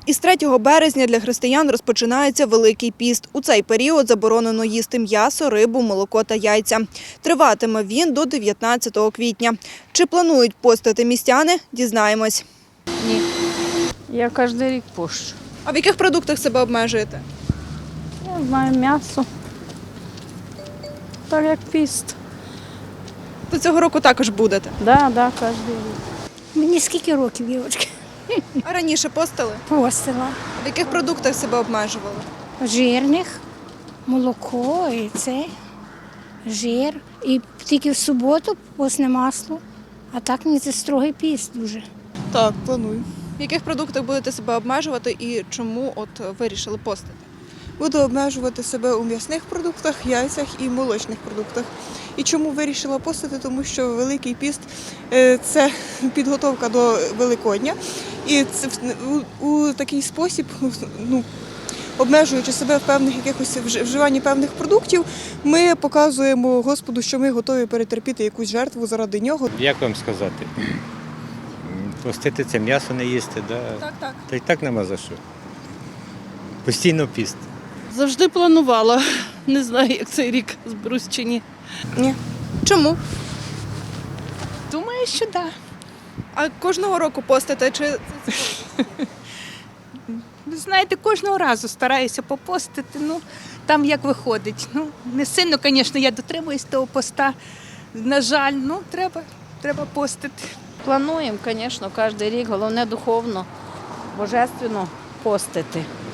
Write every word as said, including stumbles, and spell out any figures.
Із третього березня для християн розпочинається Великий піст. У цей період заборонено їсти м'ясо, рибу, молоко та яйця. Триватиме він до дев'ятнадцятого квітня. Чи планують постити містяни – дізнаємось. Ні. Я кожен рік пощу. А в яких продуктах себе обмежуєте? Я знаю м'ясо. Так як піст. То цього року також будете. Так, да, да, кожен рік. Мені скільки років, дівчатки? А раніше постили? Постила. В яких продуктах себе обмежували? Жирних, молоко і це, жир. І тільки в суботу постне масло. А так мені це строгий піст дуже. Так, планую. В яких продуктах будете себе обмежувати і чому от вирішили постити? Буду обмежувати себе у м'ясних продуктах, яйцях і молочних продуктах. І чому вирішила постити? Тому що Великий піст е, – це підготовка до Великодня. І це у, у такий спосіб, ну, обмежуючи себе в певних якихось вживанні певних продуктів, ми показуємо Господу, що ми готові перетерпіти якусь жертву заради нього. Як вам сказати? Постити це м'ясо не їсти, да? Так, так. Та й так нема за що. Постійно піст. Завжди планувала. Не знаю, як цей рік зберусь чи ні. Ні. Чому? Думаю, що так. А кожного року постите? Чи Ви знаєте, кожного разу стараюся попостити, ну, там як виходить. Ну, не сильно, звісно, я дотримуюсь того поста. На жаль, ну, треба, треба постити. Плануємо, звісно, кожен рік, головне духовно, божественно постити.